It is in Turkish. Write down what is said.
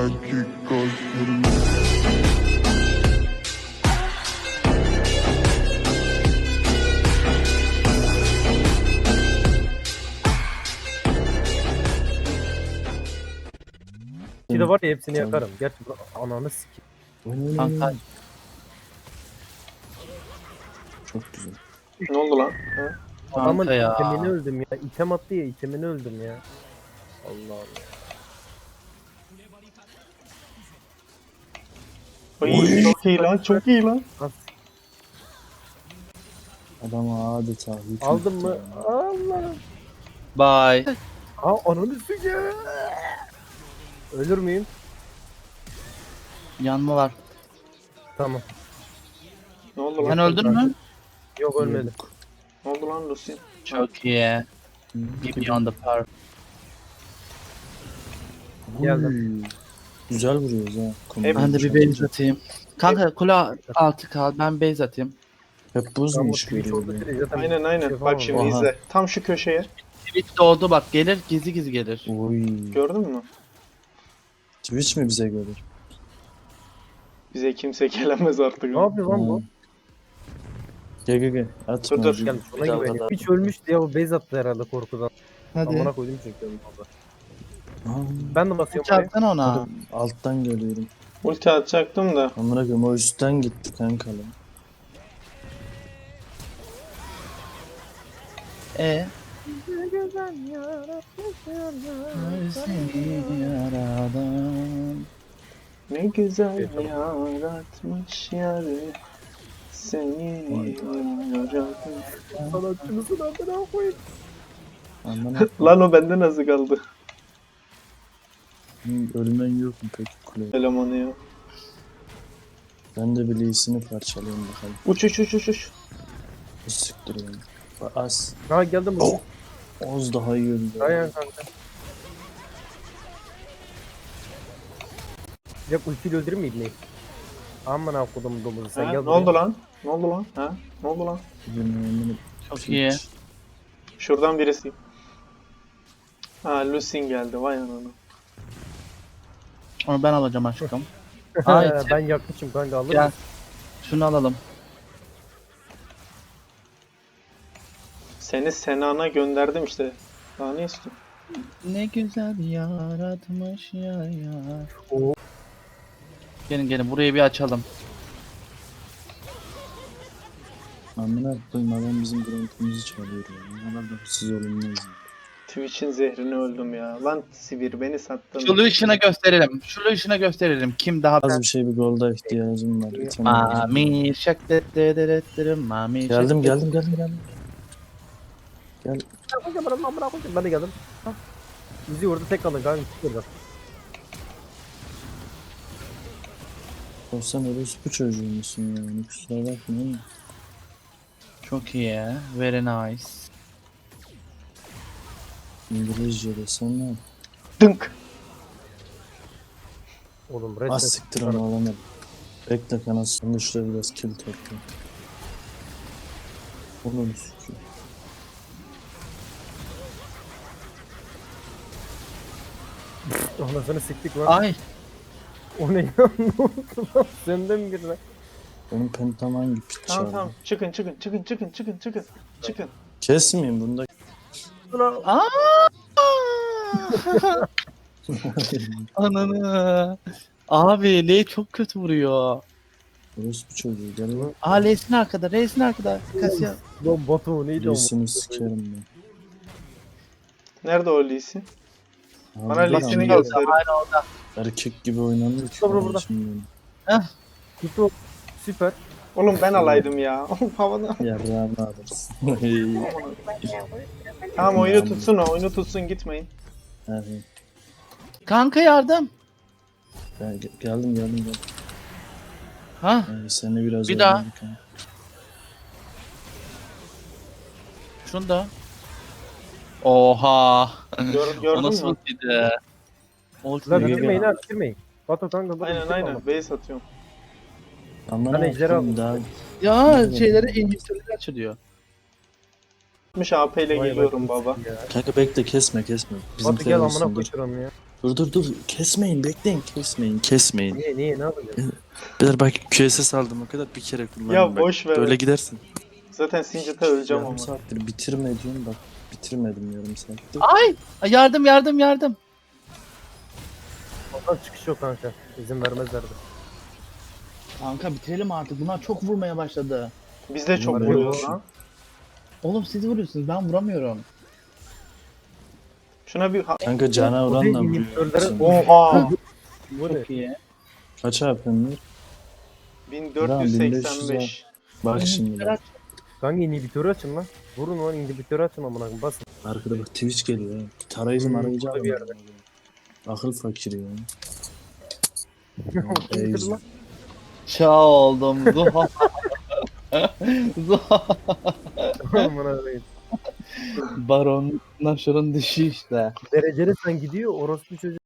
Bir de var ya hepsini yakarım. Gerçi ananı sikeyim. Kanka Çok güzel. Ne oldu lan? Ha? Adamın kanka ya. itemini öldüm ya. İtem attı ya, itemini öldüm ya. Allah Allah. Ay, çok iyi lan, çok iyi lan. Adam adeta hüküm Aldın etti mı? ya. Allah. Bye. Aa ananı sikeyim. Ölür müyüm? Yanma var. Tamam. Ne oldu lan? Sen öldün mü? Yok ölmedim. Ne oldu lan Lucy? Çok iyi. Give me on the power. Geldim. Uy, güzel vuruyoruz ha. Ben de bir base atayım. Kanka kule altı kal. Ben base atayım. Hep buz mu iş Twitch görüyor oldu ya? sürece zaten Aynen bir aynen. şey Bak yapamam. şimdi Aha. izle. Tam şu köşeye. Twitch doğdu bak. Gelir gizli gizli gelir. Oy. Gördün mü? Twitch mi bize gelir? Bize kimse gelemez artık. Ne yapıyor lan bu? Gel gel gel. Atma. Dur, dur. Gelmiş ona Bir daha güveniyor. kadar. Hiç ölmüş diye o base attı herhalde korkudan. Amına koydum çünkü onu fazla. Aa, Ben de basıyorum oraya. Çarpsana ona. adam alttan geliyorum. Ulti atacaktım da. Amına koyayım o üstten gitti kanka lan. Seni yaradan. Ne güzel Evet, yaratmış yarı. Seni yarattı. Sanatçımızın adına koyayım. Amına Lan o bende nasıl kaldı? koyayım, ölmen yok mu peki kule? Elemanı ya. Ben de bir iyisini parçalayayım bakalım. Uç uç uç uç uç. Siktir yani. Az. Ha geldim Oh. buraya. Oz daha iyi öldü. Dayan kanka. Ya ultiyle öldürür mü ibneyi? Aman akudum domuzu sen Ha, gel ne buraya. oldu lan? Ne oldu lan? Ha? Ne oldu lan? Bilmiyorum, Çok iyi. Şuradan birisi. Ha Lucy geldi vay ananı. Onu ben alacağım aşkım. Ay, Ben yakmışım kanka alır Gel. mısın? Şunu alalım. Seni Senan'a gönderdim işte. Daha ne istiyorsun? Ne güzel yaratmış ya. Oo. Gelin gelin burayı bir açalım. Amına koyayım adam bizim grantımızı çalıyor ya. Ne kadar da hırsız olunmaz. Twitch'in zehrini öldüm ya. Lan Sivir beni sattın. Şu Lucian'a gösterelim. Şu Lucian'a gösterelim. Kim daha... Az bir şey bir golda ihtiyacım var. Bir tane Mami şak dedederettirim mami şak geldim. Gel. Amına koyayım ben de geldim. Ha. Bizi orada tek kalın kanka. Burada. O sen orospu çocuğu musun yani? Kusura bakma ama. Çok iyi. Very nice. İngilizce desem ne? Dınk. Oğlum Az reset. siktir onu alamadım. Bekle kanası. Şimdi şurada biraz kill topla. Onu sikiyor. Anasını siktik lan. Ay O ne ya? Ne oldu lan? Senden mi girdi? Benim pentam hangi piç Tamam çaldı? tamam. Çıkın. Çıkın. Kesmeyeyim bunda. Aa! Ananı. Abi Ley çok kötü vuruyor. Orospu çocuğu gel lan. Aa Ley'sin arkada. Ley'sin arkada. Kasya. Lan Batu neydi o? Leysini sikerim ben. Nerede o Lee'si? Abi, Bana lan Lee'sini amına göster. Hala orada. erkek gibi oynanıyor ki. Burada, burada. kardeşim Gitti o. Süper. Oğlum ben alaydım ya. Havada. benim. Yarrağımı alırsın. Tamam oyunu tutsun o. Oyunu tutsun gitmeyin. Evet. Kanka yardım. Geldim. Ha? Seni biraz Bir daha. oynadık ha. Şunu da. Oha. O Gördün nasıl mü? ultiydi? Ulti Lan Yürü bitirmeyin be. ha bitirmeyin. Batu kanka. Aynen. Base atıyorum. Aman Ben ejderha Allah'ım, aldım. daha Ya şeyleri inhibitörleri açılıyor. 60 AP ile geliyorum baba. Ya. kanka bekle kesme. Batu gel amına dur. koyacağım ya. Dur. Kesmeyin, bekleyin. Kesmeyin. Niye ne yapacağız? Beyler bak QSS aldım o kadar bir kere kullandım. Ya bak. boş ver. Böyle gidersin. Zaten Singed'e öleceğim Yarım ama. saattir bitirme diyorum bak. Bitirmedim yarım saattir. Ay! Yardım. Ondan çıkış yok kanka. İzin vermezlerdi. Kanka bitirelim artık. Bunlar çok vurmaya başladı. Biz de çok Bunlar vuruyoruz yok. lan. Oğlum siz vuruyorsunuz, ben vuramıyorum. Şuna bir... Kanka cana O oranla değil, vuruyor. inhibitörlere- Oha! Bu ne? Çok iyi. Kaç yapıyorsun? 1485. Bak şimdi bak. Kanka inhibitörü açın lan. Vurun lan inhibitörü açın amına koyayım basın. Arkada bak Twitch geliyor ha. Tarayıcı marayıcı burada bir alın. Akıl fakiri ya. Kimdir lan? Çaldım. Zuhal. Zuhal. Amına koyayım. Baron Nashor'un dişi işte. Dereceli sen gidiyor orospu çocuğu.